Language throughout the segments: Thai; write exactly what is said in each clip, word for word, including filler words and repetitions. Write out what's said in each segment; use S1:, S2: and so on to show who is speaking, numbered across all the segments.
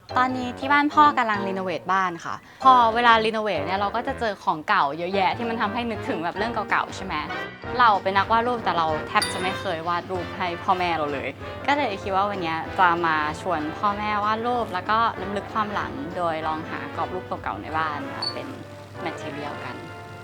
S1: ตอนนี้ที่บ้านพ่อกำลังรีโนเวทบ้านค่ะพอเวลารีโนเวทเนี่ยเราก็จะเจอของเก่าเยอะแยะที่มันทำให้นึกถึงแบบเรื่องเก่าๆใช่ไหมเราเป็นนักวาดรูปแต่เราแทบจะไม่เคยวาดรูปให้พ่อแม่เราเลยก็เลยคิดว่าวันนี้จะมาชวนพ่อแม่วาดรูปแล้วก็รำลึกความหลังโดยลองหากรอบรูปเก่าๆในบ้านมาเป็นแมทเทียลกัน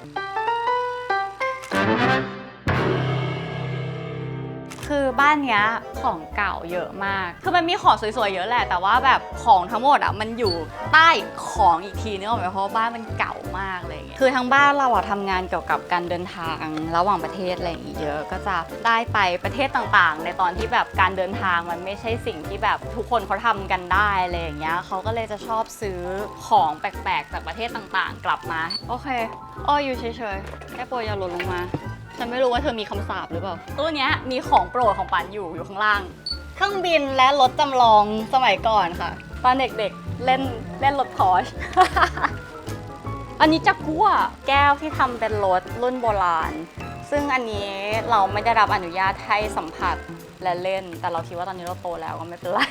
S1: คือบ้านเนี้ยของเก่าเยอะมากคือมันมีของสวยๆเยอะแหละแต่ว่าแบบของทั้งหมดอ่ะมันอยู่ใต้ของอีกทีนึกออกไหมเพราะบ้านมันเก่ามากเลยคือทั้งบ้านเราอ่ะทำงานเกี่ยวกับการเดินทางระหว่างประเทศอะไรอย่างเงี้ยเยอะก็จะได้ไปประเทศต่างๆในตอนที่แบบการเดินทางมันไม่ใช่สิ่งที่แบบทุกคนเขาทำกันได้อะไรอย่างเงี้ยเขาก็เลยจะชอบซื้อของแปลกๆจากประเทศต่างๆกลับมาโอเคอ้ออยู่เฉยๆแค่โปรยอย่าหล่นลงมาฉันไม่รู้ว่าเธอมีคำสาปหรือเปล่าตู้เนี้ยมีของโปรดของปันอยู่อยู่ข้างล่างเครื่องบินและรถจำลองสมัยก่อนค่ะตอนเด็กๆเล่นเล่นรถพอร์ช อันนี้จากกัวแก้วที่ทำเป็นรถรุ่นโบราณซึ่งอันนี้เราไม่ได้รับอนุญาตให้สัมผัสและเล่นแต่เราคิดว่าตอนนี้เราโตแล้วก็ไม่เป็นไร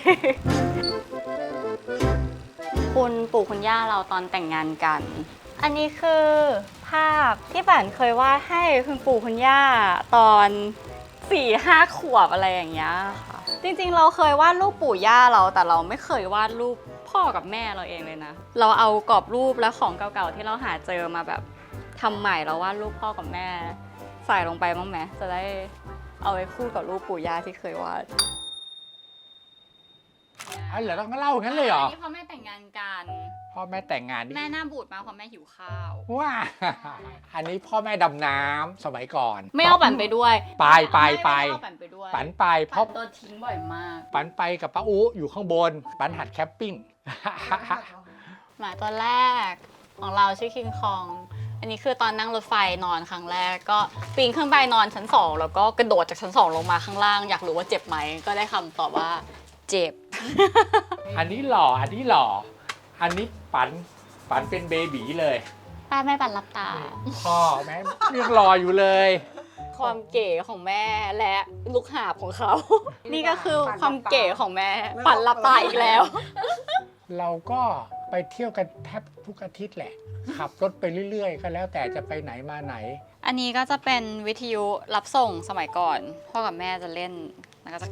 S1: คุณปู่คุณย่าเราตอนแต่งงานกันอันนี้คือภาพที่ป่านเคยวาดให้คุณปู่คุณย่าตอนสี่ห้าขวบอะไรอย่างเงี้ยค่ะจริงๆเราเคยวาดรูปปู่ย่าเราแต่เราไม่เคยวาดรูปพ่อกับแม่เราเองเลยนะเราเอากรอบรูปและของเก่าๆที่เราหาเจอมาแบบทำใหม่แล้ววาดรูปพ่อกับแม่ใส่ลงไปบ้างไหมจะได้เอาไว้คู่กับรูปปู่ย่าที่เคยวาด
S2: อ๋อเหรอต้องเล่างั้นเลยเหรอ
S1: นี่พ่อแม่แต่งงานกัน
S2: พ่อแม่แต่งงานนี่
S1: แม่หน้าบูดมากเพราะแม่หิวข้าว
S2: ว้า อันนี้พ่อแม่ดำน้ำสมัยก่อน
S1: ไม่เอาปั่นไปด้วย
S2: ไปไปไป
S1: ไม่เอาปั่นไปด้วย
S2: ปันไปเพ
S1: ปั่
S2: ราะ
S1: นโดนทิ้งบ่อยมาก
S2: ปันไปกับป้าอูอยู่ข้างบนปันหัดแคมปิ้ง
S1: หมาตัวแรกของเราชื่อคิงคองอันนี้คือตอนนั่งรถไฟนอนครั้งแรกก็ปีนขึ้นไปนอนชั้นสองแล้วก็กระโดดจากชั้นสองลงมาข้างล่างอยากรู้ว่าเจ็บไหมก็ได้คำตอบว่าเจ็บ
S2: อันนี้หล่ออันนี้หล่ออันนี้ปันปันเป็นเบบีเลย
S1: ป้าแม่ปั่นรับตา
S2: พ่อแม่ยังรออยู่เลย
S1: ความเก๋ของแม่และลูกหาบของเขา นี่ก็คือความเก๋ของแม่ปั่นรับตาอีกแล้ว
S2: เราก็ไปเที่ยวกันแทบทุกอาทิตย์แหละ ขับรถไปเรื่อยๆ ก็แล้วแต่จะไปไหนมาไหน
S1: อันนี้ก็จะเป็นวิทยุรับส่งสมัยก่อนพ่อกับแม่จะเล่นแล้วก็จะ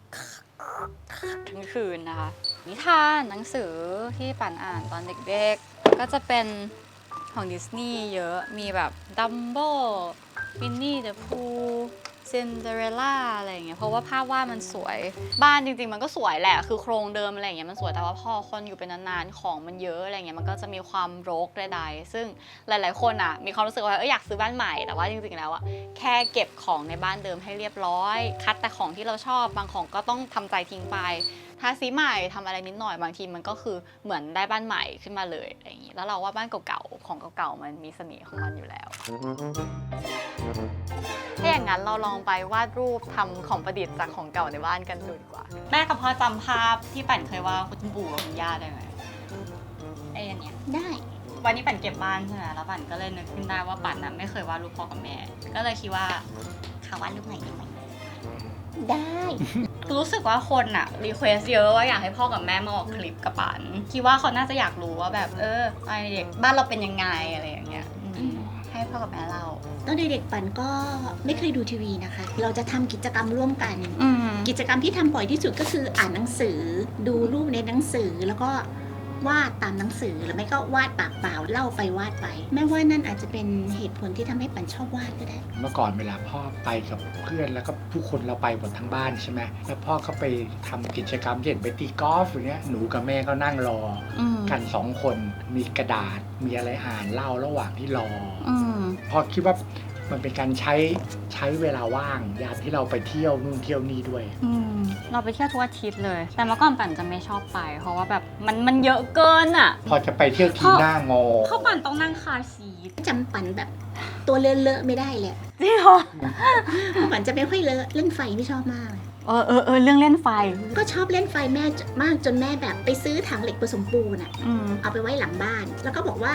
S1: ทั้งคืนนะคะ นิทานหนังสือที่ปั่นอ่านตอนเด็กๆก็จะเป็นของดิสนีย์เยอะมีแบบดัมโบ้วินนี่เดอะพูซินเดอเรลล่าอะไรอย่างเงี้ยเพราะว่าภาพวาดมันสวยบ้านจริงๆมันก็สวยแหละคือโครงเดิมอะไรอย่างเงี้ยมันสวยแต่ว่าพอคนอยู่เป็นนานๆของมันเยอะอะไรเงี้ยมันก็จะมีความรกใดๆซึ่งหลายๆคนอ่ะมีความรู้สึกว่าเอออยากซื้อบ้านใหม่แต่ว่าจริงๆแล้วอ่ะแค่เก็บของในบ้านเดิมให้เรียบร้อยคัดแต่ของที่เราชอบบางของก็ต้องทำใจทิ้งไปทาสีใหม่ทำอะไรนิดหน่อยบางทีมันก็คือเหมือนได้บ้านใหม่ขึ้นมาเลยอะไรอย่างงี้แล้วเราว่าบ้านเก่าๆของเก่าๆมันมีเสน่ห์ของมันอยู่แล้วถ้าอย่างนั้นเราลองไปวาดรูปทำของประดิษฐ์จากของเก่าในบ้านกันดูดีกว่าแม่กับพ่อจำภาพที่ปั่นเคยวาดคุณปู่กับคุณย่าได้ไหมไอ้อันเนี้ยได้วันนี้ปั่นเก็บบ้านใช่ไหมแล้วปั่นก็เลยนึกขึ้นได้ว่าปั่นน่ะไม่เคยวาดรูปพ่อกับแม่ก็เลยคิดว่าเขาวาดรูปไหนดีไหมได้รู้สึกว่าคนอะรีเควสเยอะว่าอยากให้พ่อกับแม่มาออกคลิปกับปันคิดว่าเขาน่าจะอยากรู้ว่าแบบเออตอนเด็กบ้านเราเป็นยังไงอะไรอย่างเงี้ยให้พ่อกับแม่เรา
S3: ตอนเด็กๆปันก็ไม่เคยดูทีวีนะคะ เราจะทำกิจกรรมร่วมกัน
S1: อืม
S3: กิจกรรมที่ทำบ่อยที่สุดก็คืออ่านหนังสือ ดูรูปในหนังสือแล้วก็วาดตามหนังสือหรือไม่ก็วาดปากเปล่าเล่าไปวาดไปแม่ว่านั่นอาจจะเป็นเหตุผลที่ทำให้ปันชอบวาดก็ได้
S2: เมื่อก่อนเวลาพ่อไปกับเพื่อนแล้วก็ทุกคนเราไปหมดทั้งบ้านใช่ไหมแล้วพ่อเขาไปทำกิจกรรมเช่นไปตีกอล์ฟอย่างเงี้ยหนูกับแม่ก็นั่งรอ
S1: อืม
S2: กันสองคนมีกระดาษมีอะไรอ่านเล่าระหว่างที่รอ
S1: อืม
S2: พอคิดว่ามันเป็นการใช้ใช้เวลาว่างยามที่เราไปเที่ยวนู่นเที่ยวนี่ด้วย
S1: อืมเราไปเที่ยวทุกอาทิตย์เลยแต่เมื่อก่อนปั่นจะไม่ชอบไป เพราะว่าแบบมันมันเยอะเกินอ่ะ
S2: พอจะไปเที่ยวทีหน้างอ
S1: เพราะปั่นต้องนั่งคาร์ซีท
S3: จำปันแบบตัวเลอะๆไม่ได้เลย
S1: จริงเหรอ
S3: ปันจะไม่ค่อยเลอะเล่นไฟไม่ชอบมาก
S1: เออเออเออเรื่องเล่นไฟ
S3: ก็ชอบเล่นไฟแม่มากจนแม่แบบไปซื้อถังเหล็กผสมปูนอะ
S1: อืม
S3: เอาไปไว้หลังบ้าน แล้วก็บอกว่า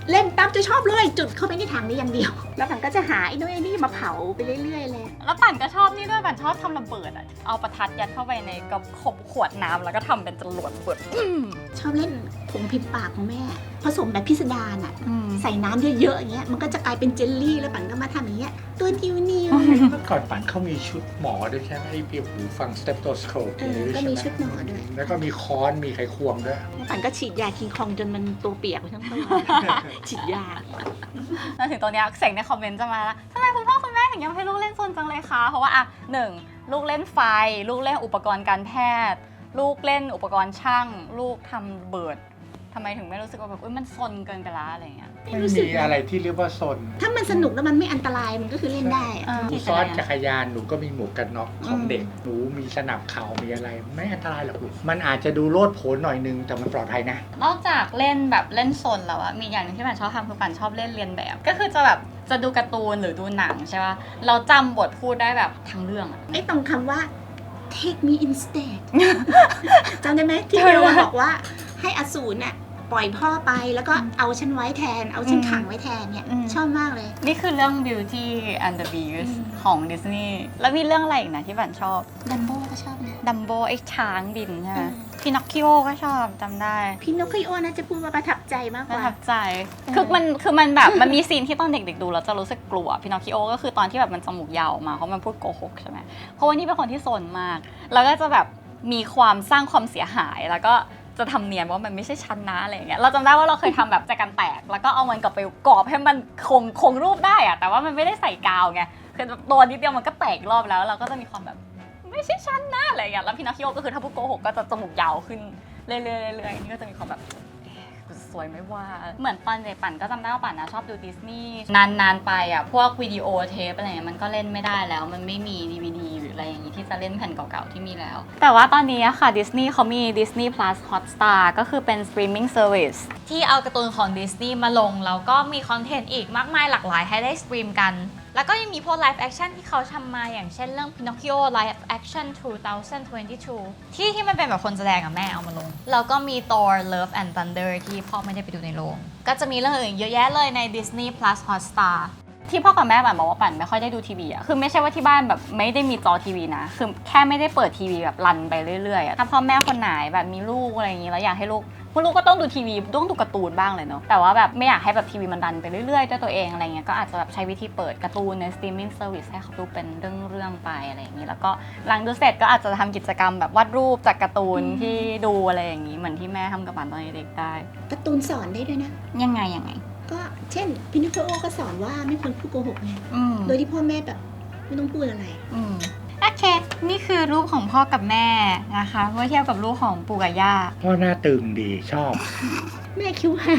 S3: เล่นปั๊บจะชอบเลยจุดเข้าไปในถังนี้อย่างเดียว แล้วมันก็จะหาไอ้นู่นไอ้นี่มาเผาไปเรื่อยๆเลย
S1: แล้วปั่นก็ชอบนี่ด้วยปั่นชอบทำระเบิดอ่ะเอาประทัดยัดเข้าไปในกระขบขวดน้ำแล้วก็ทำเป็นจรวดเปิด
S3: ชอบเล่นผงพิมพ์ปากของแม่ผสมแบบพิสดารอ่ะ
S1: อืม
S3: ใส่น้ำเยอะๆอย่างเงี้ยมันก็จะกลายเป็นเจลลี่แล้วปั่นก็มาทำอย่างเงี้ยตัวนิ้วนิ้ว
S2: เมื่อก่อนฝันเขามีชุดหมอด้วยใช่ไหมไอ้เปียหูฟังสเตปโตสโคป
S3: เออก็มีชุดหมอด้วย
S2: แล้วก็มีค้อนมีไขควงด้วย
S3: ปั่นก็ฉีดยาคิงคองจนมันตัวเปียกไปทั้งตัว ฉีดยา
S1: แล้วถึงตอนเนี้ยเสียงในคอมเมนต์จะมาแล้วทำไมคุณพ่อคุณแม่ถึงยังให้ลูกเล่นโซนจังเลยคะเพราะว่าอ่ะหนึ่งลูกเล่นไฟลูกเล่นอุปกรณ์การแพทย์ ลูกเล่นอุปกรณ์ช่าง ลูกทำระเบิดทำไมถึงไม่รู้สึกว่าแบบอุ้ยมันซนเกินไปละอะไรเงี้ย
S2: ไม่มีอะไรที่เรียกว่าซน
S3: ถ้ามันสนุกแล้วมันไม่อันตรายมันก็คือเล่นได้อะ
S1: เออ
S2: หนูซ้อนจักรยานหนูก็มีหมวกกันน็อกของเด็กหนูมีสนับเข่ามีอะไร ไม่อันตรายหรอกลูกมันอาจจะดูโลดโผนหน่อยนึงแต่มันปลอดภัยนะ
S1: นอกจากเล่นแบบเล่นซนแล้วอะมีอย่างหนึงที่ปั่นชอบทำคือปั่นชอบเล่นเรียนแบบ ก็คือจะแบบจะดูการ์ตูนหรือดูหนังใช่ป่ะเราจำบทพูดได้แบบทั้งเรื่องอะ
S3: ไอ้ตรงคำว่า take me instead จำได้ไหมที่เบลบอกว่าให้อสูรน่ะปล่อยพ่อไปแล้วก็เอาฉันไว้แทน เอาฉันขังไว้แทนเนี่ย
S1: อืม
S3: ชอบมากเลย
S1: นี่คือเรื่อง Beauty and the Beast
S3: อืม
S1: ของดิสนีย์แล้วมีเรื่องอะไรอีกนะที่ปั่นชอบ
S3: ดัมโบ้ก็ชอบนะ
S1: ดัมโบไอ้ช้างบินใช่ไหม
S3: อืม
S1: พินอคคิโอก็ชอบจำได้
S3: พี่นกคิโอน่าจะพูดว่าประทับใจมากก
S1: ประ
S3: ว่า
S1: ทับใจ
S3: อืม
S1: คือมันคือมันแบบมันมีซีนที่ตอนเด็กๆดูแล้วจะรู้สึกกลัวพินอคคิโอก็คือตอนที่แบบมันจมูกยาวออกมาเพราะมันพูดโกหกใช่ไหมเพราะว่านี่เป็นคนที่ซนมาก แล้วก็จะแบบมีความสร้างความเสียหายแล้วก็จะทำเนียนว่ามันไม่ใช่ชั้นนะอะไรอย่างเงี้ยเราจำได้ว่าเราเคยทำแบบแจกันแตกแล้วก็เอามันกลับไปกรอบให้มันคงคงรูปได้อะแต่ว่ามันไม่ได้ใส่กาวไงคือตัวนิดเดียวมันก็แตกรอบแล้วเราก็จะมีความแบบไม่ใช่ชั้นนะอะไรอย่างเงี้ยแล้วพินอคคิโอก็คือถ้าพูดโกหกก็จะจมูกยาวขึ้นเรื่อยๆเรื่อยๆนี่ก็จะมีความแบบเอ๊ะสวยไม่ว่าเหมือนตอนเด็กปั่นก็จำได้ว่าปั่นนะชอบดูดิสนีย์นานๆไปอ่ะพวกวิดีโอเทปอะไรเงี้ยมันก็เล่นไม่ได้แล้วมันไม่มี ดี วี ดี หรืออะไรอย่างงี้ที่จะเล่นแผ่นเก่าๆที่มีแล้ว แต่ว่าตอนนี้อะค่ะ Disney เขามี Disney Plus Hotstar ก็คือเป็น streaming service ที่เอาการ์ตูนของ Disney มาลง แล้วก็มีคอนเทนต์อีกมากมายหลากหลายให้ได้สตรีมกัน แล้วก็ยังมีพวก live action ที่เขาทำมาอย่างเช่นเรื่อง Pinocchio live action สองพันยี่สิบสอง ที่ที่มันเป็นแบบคนแสดงกับแม่เอามาลง แล้วก็มี Thor Love and Thunder ที่พ่อไม่ได้ไปดูในโรง ก็จะมีเรื่องอื่นเยอะแยะเลยใน Disney Plus Hotstar ที่พ่อกับแม่ปั่นบอกว่าปั่นไม่ค่อยได้ดูทีวีอะคือไม่ใช่ว่าที่บ้านแบบไม่ได้มีจอทีวีนะ คือแค่ไม่ได้เปิดทีวีแบบรันไปเรื่อยๆอะถ้าพ่อแม่คนไหนแบบมีลูกอะไรอย่างงี้แล้วอยากให้ลูกพวกลูกก็ต้องดูทีวีต้องดูการ์ตูนบ้างเลยเนาะ แต่ว่าแบบไม่อยากให้แบบทีวีมันรันไปเรื่อยๆด้วยตัวเองอะไรเงี้ย ก็อาจจะแบบใช้วิธีเปิดการ์ตูนใน streaming service ให้เขาดูเป็นเรื่องๆไปอะไรอย่างงี้ แล้วก็หลังดูเสร็จก็อาจจะทำกิจกรรมแบบวาดรูปจากการ์ตูนที่ดูอะไรอย่างงี้เหมือนที่แม่ทำกับปั่นตอนเด็กๆได้
S3: การ์ตูนสอนได้ด้วยนะ
S1: ยังไงยังไง
S3: ก็เช่นพินิโคโอก็สอนว่าไม่ควรพูดโกหกไง
S1: อืม
S3: โดยที่พ่อแม่แบบไม่ต้องพูดอะไร
S1: อืมโอเค นี่คือรูปของพ่อกับแม่นะคะเมื่อเทียบกับรูปของปู่กับย่า
S2: พ่อหน้าตึงดีชอบ
S3: แม่คิ้วห่าง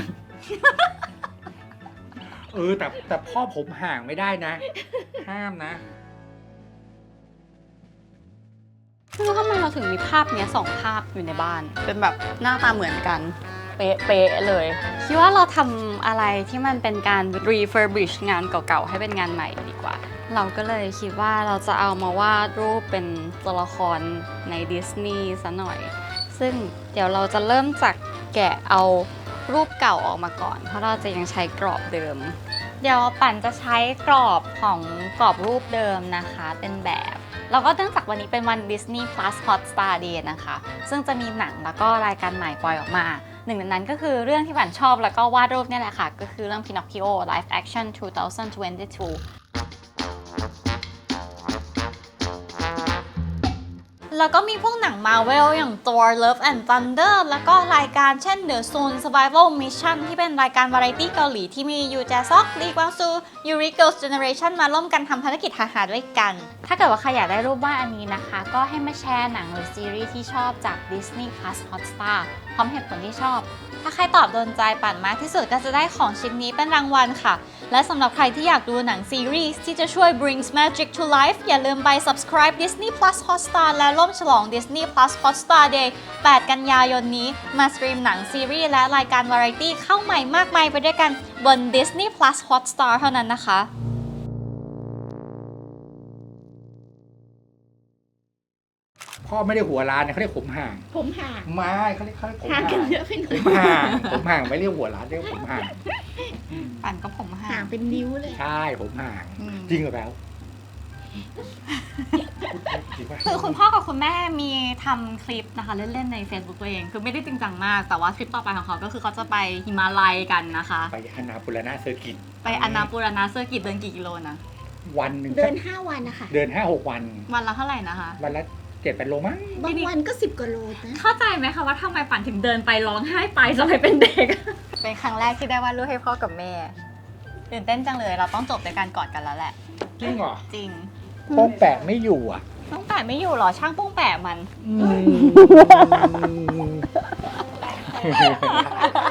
S2: เออแต่แต่พ่อผมห่างไม่ได้นะ ห้ามนะ
S1: ไม่รู้ทำไมเราถึงมีภาพเนี้ยสองภาพอยู่ในบ้าน เป็นแบบหน้าตาเหมือนกัน เป๊ะๆเลย คิดว่าเราทำอะไรที่มันเป็นการ refurbish งานเก่าๆ ให้เป็นงานใหม่ดีกว่า เราก็เลยคิดว่าเราจะเอามาวาดรูปเป็นตัวละครในดิสนีย์ซะหน่อย ซึ่งเดี๋ยวเราจะเริ่มจากแกะเอารูปเก่าออกมาก่อน เพราะเราจะยังใช้กรอบเดิม เดี๋ยวปั่นจะใช้กรอบของกรอบรูปเดิมนะคะเป็นแบบ แล้วก็เนื่องจากวันนี้เป็นวัน Disney Plus Hotstar Day นะคะ ซึ่งจะมีหนังแล้วก็รายการใหม่ปล่อยออกมา หนึ่งในนั้นก็คือเรื่องที่ปั่นชอบแล้วก็วาดรูปเนี่ยแหละค่ะ ก็คือเรื่อง Pinocchio Live Action สองพันยี่สิบสอง แล้วก็มีพวกหนัง Marvel อย่าง Thor Love and Thunder แล้วก็รายการเช่น The Soul Survival Mission ที่เป็นรายการวาไรตี้เกาหลีที่มียูแจซอก ลีกวางซู ยูริ Girls' Generation มาร่วมกันทำภารกิจหาๆด้วยกัน ถ้าเกิดว่าใครอยากได้รูปวาดอันนี้นะคะ ก็ให้มาแชร์หนังหรือซีรีส์ที่ชอบจาก Disney Plus Hotstar พร้อมเหตุผลที่ชอบ ถ้าใครตอบโดนใจปั่นมากที่สุดก็จะได้ของชิ้นนี้เป็นรางวัลค่ะ และสำหรับใครที่อยากดูหนังซีรีส์ที่จะช่วย brings magic to life อย่าลืมไป subscribe Disney Plus Hotstar และร่วมฉลอง Disney Plus Hotstar Day แปด กันยายนนี้มาสตรีมหนังซีรีส์และรายการวาไรตี้เข้าใหม่มากมายไปด้วยกันบน Disney Plus Hotstar เท่านั้นนะคะ
S2: พ่อไม่ได้หัวล้านนะเขาเรียกผมห่าง
S3: ผมห่าง
S2: ไม่เขาเรียกเขาเรียกผม
S3: ห่าง
S2: ห่าง
S3: กันเยอะไปหน่
S2: ผ
S3: อย
S2: มห่างผมห่างไม่เรียกหัวล้านเรียกผมห่าง
S1: ปั่นก็ผมห่า
S3: ห่าง งเป็นนิ้วเลย
S2: ใช่ผมห่าง
S1: อืม
S2: จริงเหรอแป๊วจริงป่ะ
S1: คือคุณพ่อกับคุณแม่มีทำคลิปนะคะเล่นๆใน Facebook ตัวเอง คือไม่ได้จริงจังมาก แต่ว่าคลิปต่อไปของเขาก็คือเขาจะไปฮิมาลัยกันนะคะ
S2: ไปอนาปุรณะเซอร์กิต
S1: ไปอนาปูรณะเซอร์กิตเดินกี่กิโลนะ
S2: วันหนึ่ง
S3: เดินห้าวันนะคะ
S2: เดินห้าหกวัน
S1: วันละเท่าไหร่นะคะ
S2: วันละเจ็ดแปดโลมั้ง
S3: บางวันก็สิบกว่าโลนะ
S1: เข้าใจไหมคะว่าทำไมปั่นถึงเดินไปร้องไห้ไปสมัยเป็นเด็ก เป็นครั้งแรกที่ได้วาดรูปให้พ่อกับแม่ตื่นเต้นจังเลยเราต้องจบในการกอดกันแล้วแหละ
S2: จริงเหรอ
S1: จริง
S2: โป้งแปะไม่อยู่อ่ะ
S1: ต้องแปะไม่อยู่หรอช่างโป้งแปะมัน